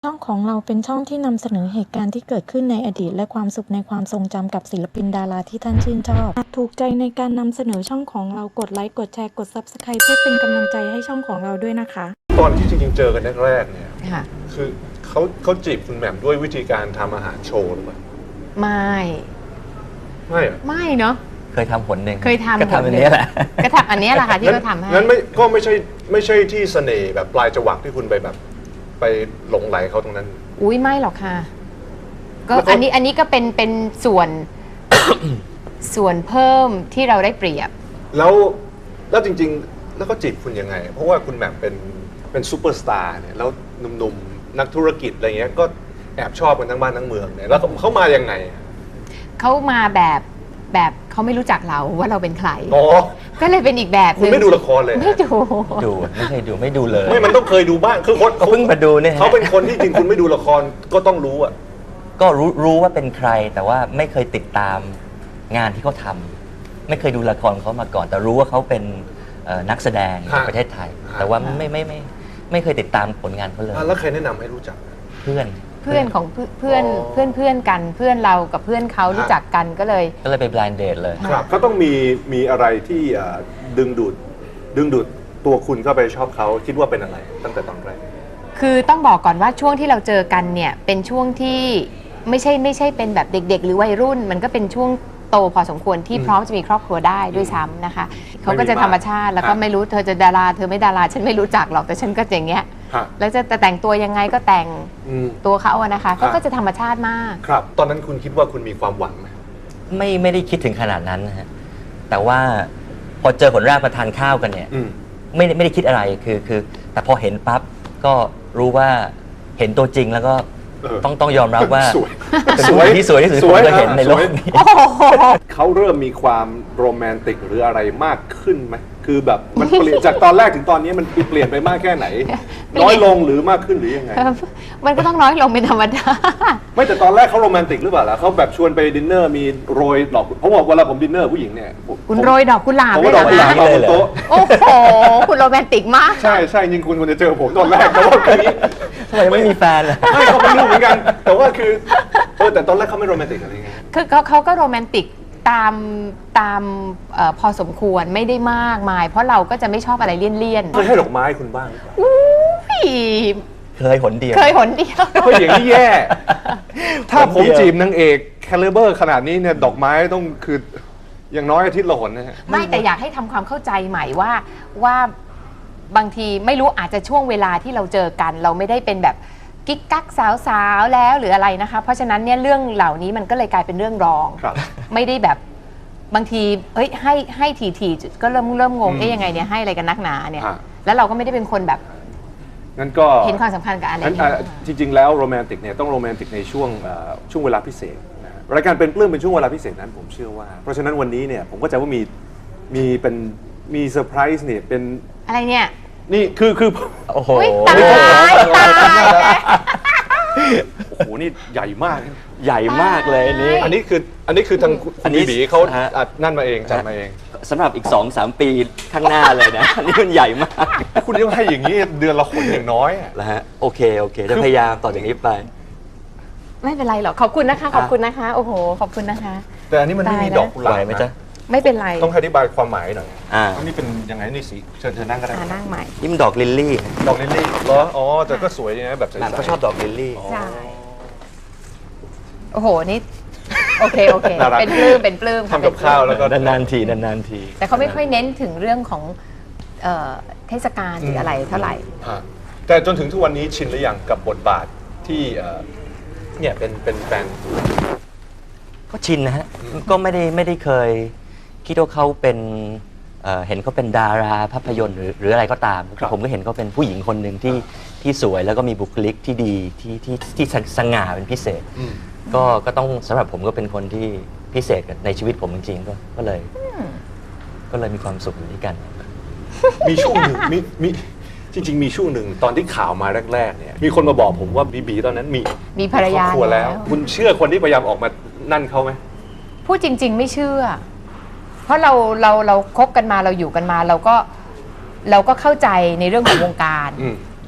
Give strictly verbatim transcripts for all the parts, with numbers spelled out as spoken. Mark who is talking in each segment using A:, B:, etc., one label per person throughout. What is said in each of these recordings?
A: ช่องของเราเป็นช่องที่นำเสนอเหตุการณ์ที่เกิดขึ้นในอดีตและความสุขในความทรงจำกับศิลปินดาราที่ท่านชื่นชอบหากถูกใจในการนำเสนอช่องของเรากดไลค์กดแชร์กด ซับสไครบ์ เพื่อเป็นกำลังใจให้ช่องของเราด้วยนะคะ
B: ตอนที่จริงๆเจอกันแรกๆเนี่ย
C: ค่ะ
B: คือเขาเขาจีบคุณแหม่มด้วยวิธีการทำอาหารโชว์หรือเปล่า
C: ไม่
B: ไม่เหรอ
C: ไม่เนาะ
D: เคยทำผลหนึ่ง
C: เคยทำ
D: ก็ทำอันนี้แหละ
C: ก็ทำอันนี้แหละค่ะที่เขาทำให้
B: งั้นไม่ก็ไม่ใช่ไม่ใช่ที่เสน่ห์แบบปลายจวักที่คุณไปแบบ ไปหลงไหลเขาตรงนั้น
C: อุ้ยไม่หรอกค่ะ ก็
B: แล้วเขา
C: อันนี้อันนี้ก็เป็นเป็นส่วน ส่วนเพิ่มที่เราได้เปรียบ
B: แล้วแล้วจริงๆ แล้วก็จีบคุณยังไง เพราะว่าคุณแหม่มเป็นเป็นซูเปอร์สตาร์เนี่ยแล้วหนุ่มๆนักธุรกิจอะไรเงี้ยก็แอบชอบกันทั้งบ้านทั้งเมืองเนี่ยแล้วเขามายังไง
C: เขามาแบบแบบเขาไม่รู้จักเราว่าเราเป็นใคร
B: อ๋อ
C: ก็เลยเป็นอีกแบบห
B: คุณ
C: นึ่ง
B: ไม่ดูละครเลย
C: ไม่ดู
D: ดูไม่เคยดูไม่ดูเลย
B: ไม่มันต้องเคยดูบ้างคือคน
D: เขาเพิ่งมาดูเนี่ยฮะ
B: เขาเป็นคนที่จริงคุณไม่ดูละครก็ต้องรู้อะ
D: ก็รู้รู้ว่าเป็นใคร แต่ว่าไม่เคยติดตามงานที่เขาทำไม่เคยดูละครเขามาก่อน แต่รู้ว่าเขาเป็นเอ่อนักแสดงในประเทศไทย แต่ว่าไม่ไม่ไม่ไม่เคยติดตามผลงานเขาเลย
B: อ่ะแล้วใครแนะนำให้รู้จัก
D: เพื่อน
C: เพื่อนของเพื่อนเพื่อน
B: อ๋อ
C: เพื่อนเพื่อนกันเพื่อนเรากับเพื่อนเขารู้จักกันก็เลย
D: ก็เลยไป blind date เลย
B: ครับก็ต้องมีมีอะไรที่เอ่อดึงดูดดึงดูดตัวคุณเข้าไปชอบเขาคิดว่าเป็นอะไร ตั้งแต่ตอนแรก
C: คือต้องบอกก่อนว่าช่วงที่เราเจอกันเนี่ยเป็นช่วงที่ไม่ใช่ไม่ใช่เป็นแบบเด็ก ๆ หรือวัยรุ่น มันก็เป็นช่วงโตพอสมควรที่
B: อืม
C: พร้อมจะมีครอบครัวได้ด้วยซ้ำนะคะเขาก็จะ
B: ไม่มี
C: ธรรมชาติแล้วก็
B: อ่ะ
C: ไม่รู้เธอจะดาราเธอไม่ดาราฉันไม่รู้จักหรอกแต่ฉันก็อย่างเงี้ย
B: ฮะ
C: แล้วจะแต่งตัวยังไงก็แต่ง
B: อืม
C: ตัวเขาอะนะคะเขา
B: อ่ะ
C: ก็จะธรรมชาติมาก
B: ครับ ตอนนั้นคุณคิดว่าคุณมีความหวังไหม
D: ไม่ไม่ได้คิดถึงขนาดนั้นนะฮะแต่ว่าพอเจอผลแรกมาทานข้าวกันเนี่ย
B: อืม
D: ไม่ได้ไม่ได้คิดอะไรคือคือ แต่พอเห็นปั๊บก็รู้ว่าเห็นตัวจริงแล้วก็
B: เออ
D: ต้องต้องยอมรับว่า
B: สวย
D: เป็นผู้หญิงที่สวยที่สุดที่ผมเคยเห็นในโลกนี้
B: เขาเริ่มมีความโรแมนติกหรืออะไรมากขึ้นไหมคือแบบมันเปลี่ยนจากตอนแรกถึงตอนนี้มันเปลี่ยนไปมากแค่ไหน น้อยลงหรือมากขึ้นหรือยังไง
C: มันก็ต้องน้อยลงเป็นธรรมดา
B: ไม่แต่ตอนแรกเขาโรแมนติกหรือเปล่าล่ะเขาแบบชวนไปดินเนอร์มีโรยดอกเพราะว่าเวลาผมดินเนอร์ผู้หญิงเนี่ยผม
C: คุณโรยดอกกุหลาบ
B: ผม
C: เล
B: ว่าย ดอกกุหลาบ
C: เหร
B: มา
C: อบ
B: นโต๊ะ
C: โอ้โหคุณโรแมนติกมาก
B: ใช่ใช่จริงคุณควรจะเจอผมตอนแรกแต่ว่าทีนี้
D: ทำไมไม่มีแฟนล่ะ
B: ไม่เขาไม่รู้เหมือนกัน แต่ว่าคือเออแต่ตอนแรกเขาไม่โรแมนติกอะไรไง
C: คือเขาเขาก็โรแมนติกตามตามเออพอสมควรไม่ได้มากมาย เพราะเราก็จะไม่ชอบอะไรเลี่ยน
B: เคยให้ดอกไม้คุณบ้าง
C: ๆอุ้ย
D: เคยหนเดียว
C: เคยหนเดียว
B: เฮ้ยอย่างนี้แย่ ถ้าผมจีบนางเอกแคลิเบอร์ขนาดนี้เนี่ยดอกไม้ต้องคืออย่างน้อยอาทิตย์ละหนนะฮะ
C: ไม่แต่อยากให้ทำความเข้าใจใหม่ว่าว่าบางทีไม่รู้อาจจะช่วงเวลาที่เราเจอกัน เราไม่ได้เป็นแบบกิ๊กกักสาวๆแล้วหรืออะไรนะคะ เพราะฉะนั้นเนี่ยเรื่องเหล่านี้มันก็เลยกลายเป็นเรื่องรอง
B: ครับ
C: ไม่ได้แบบบางทีเอ้ยให้ให้ทีๆก็เริ่มเริ่มงง
B: อืม
C: เอ๊ยยังไงเนี่ยให้อะไรกันนักหนาเนี่ย
B: อ่ะ
C: แล้วเราก็ไม่ได้เป็นคนแบบ
B: งั้นก็
C: เห็นความสำคัญกับอะไร
B: งั้น
C: เนี่ย
B: อ่ะจริง ๆ แล้วโรแมนติกเนี่ยต้องโรแมนติกในช่วงเอ่อช่วงเวลาพิเศษนะฮะรายการเป็นปลื้มเป็นช่วงเวลาพิเศษนั้นผมเชื่อว่า เพราะฉะนั้นวันนี้เนี่ยผมก็จะว่ามีมีเป็นมีเซอร์ไพรส์เนี่ยเป็น
C: อะไรเนี่ย
B: นี่คือคือ
D: โอ้โห
C: อุ๊ยตายตายแล้ว
B: โอ้โหนี่ใหญ่มาก
D: ใหญ่มากเลยอันนี้
B: อันนี้คืออันนี้คือทางคุณ
D: อันนี้
B: บีบีเขา
D: ฮะ
B: อัดนั่นมาเองจัดมาเอง
D: สำหรับอีก สองสาม ปีข้างหน้าเลยนะ อันนี้มันใหญ่มาก
B: คุณยังให้อย่างนี้เดือนละขนอย่างน้อยอะ
D: แล้วฮะโอเคโอเคจะพยายามต่อจากนี้ไป
C: ไม่เป็นไรหรอกขอบคุณนะคะ ขอบคุณนะคะ โอ้โหขอบคุณนะคะ
B: แต่อันนี้มันไม่มี
C: ตายแล้ว
B: ดอกกุหลาบ
D: ไหวไหมจ๊ะ
B: นะ
C: ไม่เป็นไร
B: ต้องอธิบายความหมายหน่อย
D: อ่า
B: อันนี้เป็นยังไงนี่สิเชิญเชิญนั่งก็ได้
C: อ่านั่งใหม่
D: นี่มันดอกลิลลี่
B: ดอกลิลลี่เหรออ๋อแต่ก็สวยดีนะแบบใส
D: หลาน
B: ๆ
D: เขาชอบดอกลิลลี่
B: อ๋อ
C: ใช่ โอ้โห นี่ โอเค โอเค
B: น่ารัก
C: เป็นปลื้ม เป็นปลื้มค่ะ
B: ทำกับข้าวแล้วก็
D: นานๆทีนานๆที
C: แต่เขาไม่ค่อยเน้นถึงเรื่องของเอ่อเทศกาลหรืออะไรเท่าไหร่
B: ฮะแต่จนถึงทุกวันนี้ชินหรือยังกับบทบาทที่เอ่อเนี่ยเป็นเป็นแฟน
D: ก็ชินนะฮะ ก็ไม่ได้ไม่ได้เคย คิดว่าเขาเป็นเอ่อเห็นเขาเป็นดาราภาพยนตร์หรือหรืออะไรก็ตาม
B: ครับ
D: ผมก็เห็นเขาเป็นผู้หญิงคนหนึ่งที่ที่สวยแล้วก็มีบุคลิกที่ดีที่ที่ที่สง่าเป็นพิเศษ
B: อืม
D: ก็ก็ต้องสำหรับผมก็เป็นคนที่พิเศษในชีวิตผมจริงๆก็ก็เลย ก็เลยมีความสุขอยู่ด้วยกัน
B: มีช่วงหนึ่งมีมีจริง ๆ มีช่วงหนึ่งตอนที่ข่าวมาแรกๆเนี่ยมีคนมาบอกผมว่าบีบีตอนนั้นมี
C: มีภรรยา
B: คอบครัวแล้ว
C: แล้ว
B: คุณเชื่อคนที่พยายามออกมานั่นเขาไหม
C: พูดจริง ๆ ไม่เชื่อ เพราะเราเราเราคบกันมาเราอยู่กันมา เราก็เราก็เข้าใจในเรื่องของวงการ
B: อืม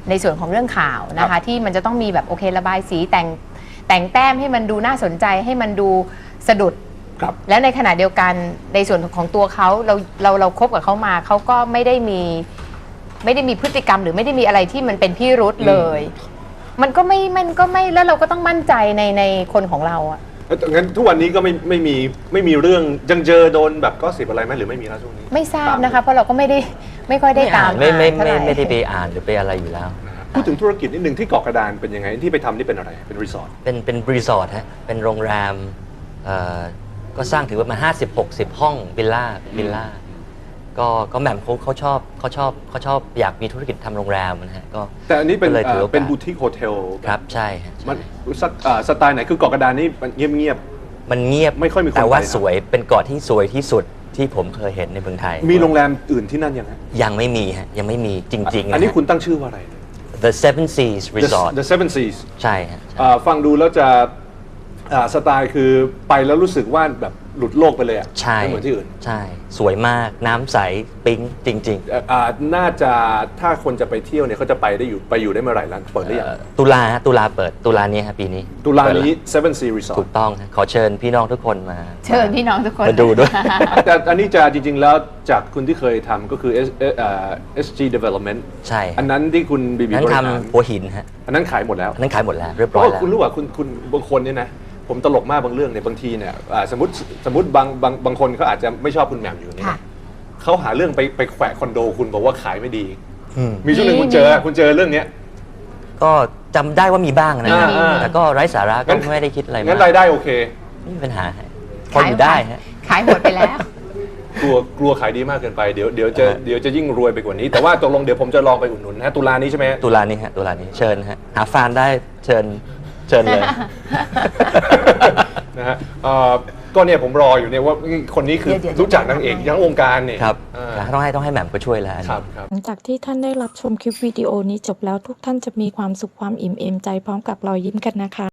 C: ในส่วนของเรื่องข่าวนะ
B: ครั
C: คะ
B: บ
C: ที่มันจะต้องมีแบบโอเคระบายสีแต่งแต่งแต้มให้มันดูน่าสนใจให้มันดูสะดุด
B: ครับ
C: และในขณะเดียวกันในส่วนของตัวเขาเราเราเราคบกับเขามาเขาก็ไม่ได้มีไม่ได้มีพฤติกรรมหรือไม่ได้มีอะไรที่มันเป็นพิรุษเลย มันก็ไม่มันก็ไม่แล้วเราก็ต้องมั่นใจในในคนของเราอะ
B: เอ้ยงั้นทุกวันนี้ก็ไม่ไม่มีไม่มีเรื่องยังเจอโดนแบบก็สิบอะไรไหมหรือไม่มีแล้วช่วงนี้
C: ไม่ทราบนะคะเพราะเราก็ไม่ได้ไม่ค่อยได้ตาม
D: ไม่ไม่
C: อ่านเท่า
D: ไม่
C: หร่
D: ไม่ได้ไปอ่านหรือไปอะไรอยู่แล้ว
B: นะฮะพูดถึงธุรกิจนิดนึงที่เกาะกระดานเป็นยังไงที่ไปทำนี่เป็นอะไรเป็นรีสอร์ท
D: เป็นเป็นรีสอร์ทฮะเป็นโรงแรมเอ่อก็สร้างถือว่ามาห้าสิบหกสิบห้องวิลล่าวิลล่าก็ก็แหม่มเขาเขาชอบเขาชอบเขาชอบอยากมีธุรกิจทำโรงแรมนะฮะก็
B: แต่อันนี้เป็น
D: ก็เลยถือ
B: เอ่อ
D: โอกาส
B: เป็นบูติกโฮเทล
D: ครับใช่ฮะ
B: มัน
D: ใช่
B: สักเอ่อสไตล์ไหนคือเกาะกระดานนี่มันเงียบเงียบ
D: มันเงียบ
B: ไม่ค่อยมีคน
D: แต่ว่า
B: ไปนะ
D: สวยเป็นเกาะที่สวยที่สุดที่ผมเคยเห็นในเมืองไทย
B: ๆมีโรงแรมอื่นที่นั่นยังไง
D: ยังไม่มีฮะยังไม่มีจริงๆ
B: อันนี้
D: ะฮะ
B: คุณตั้งชื่อว่าอะไร
D: The Seven Seas
B: The-
D: Resort
B: The Seven Seas
D: ใช่ฮะ
B: เอ่อฟังดูแล้วจะอ่าสไตล์คือไปแล้วรู้สึกว่าแบบหลุดโลกไปเลยอ่ะ
D: ใช่
B: ไม่เหมือนที่อื่น
D: ใช่สวยมากน้ำใสปิ๊งจริง ๆ
B: เอ่ออ่าน่าจะถ้าคนจะไปเที่ยวเนี่ยเขาจะไปได้อยู่ไปอยู่ได้เมื่อไหร่แล้วเปิดได้ยัง
D: เอ่อตุลาฮะตุลาเปิดตุลานี้ฮะปีนี้
B: ตุลา
D: เปิดแว
B: นี้ Seven Sea Resort
D: ถูกต้องฮะขอเชิญพี่น้องทุกคนมา
C: เชิญพี่น้องทุกคน
D: มาดูด้วย
B: แต่อันนี้จะจริง ๆ แล้วจากคุณที่เคยทำก็คือ S เอ่อเอ่อ เอส จี Development
D: ใช่
B: อันนั้นที่คุณบีบี
D: นั้น
B: บริหาร
D: ทำหัวหินฮะ
B: อันนั้นขายหมดแล้ว
D: อันนั้นขายหมดแล้วเรียบ
B: เพ
D: ร้
B: ราะ
D: อย
B: ว่า
D: แล้ว
B: คุณรู้ว่าคุณคุณบางคนเนี่ยนะผมตลกมากบางเรื่องเนี่ยบางทีเนี่ยอ่าสมมติสมมติบางบางบางคนเขาอาจจะไม่ชอบคุณแหม่มอยู่เนี่ย
C: ค่ะ
B: เขาหาเรื่องไปไปแขวะคอนโดคุณบอกว่าขายไม่ดี
D: อืม
B: มีช่วงหนึ่งคุณเจอคุณเจอเรื่องเนี้ย
D: ก็จำได้ว่ามีบ้างนะ
B: อ่าอ่า
D: แต่ก็ไร้สาระก็
B: งั้น
D: ไม่ได้คิดอะไร
B: งั้น
D: มาก
B: รายได้โอเค
D: ไม่มีปัญหาฮะพออยู่ได้ฮะ
C: ขายหมดไปแล้ว
B: กลัวกลัวขายดีมากเกินไปเดี๋ยวเดี๋ยวจะ
D: อ่า
B: เดี๋ยวจะยิ่งรวยไปกว่านี้ แต่ว่าตกลงเดี๋ยวผมจะลองไปอุดหนุนนะตุลานี้ใช่ไหม
D: ตุลานี้ฮะตุลานี้เชิญฮะหาฟานได้เชิญเชิญเลย
B: นะฮะเอ่อก็เนี่ยผมรออยู่เนี่ยว่าคนนี้คือ
C: เดี๋ยวๆ
B: รู้จักนางเอกทั้งวงการเนี่ย
D: ครับ
B: อ่า
D: ต้องให้ต้องให้แหม่มก็ช่วยแล้วอัน
B: ค
D: นี้
B: รับครับ
A: หลังจากที่ท่านได้รับชมคลิปวิดีโอนี้จบแล้วทุกท่านจะมีความสุขความอิ่มเอมใจพร้อมกับรอยยิ้มกันนะคะ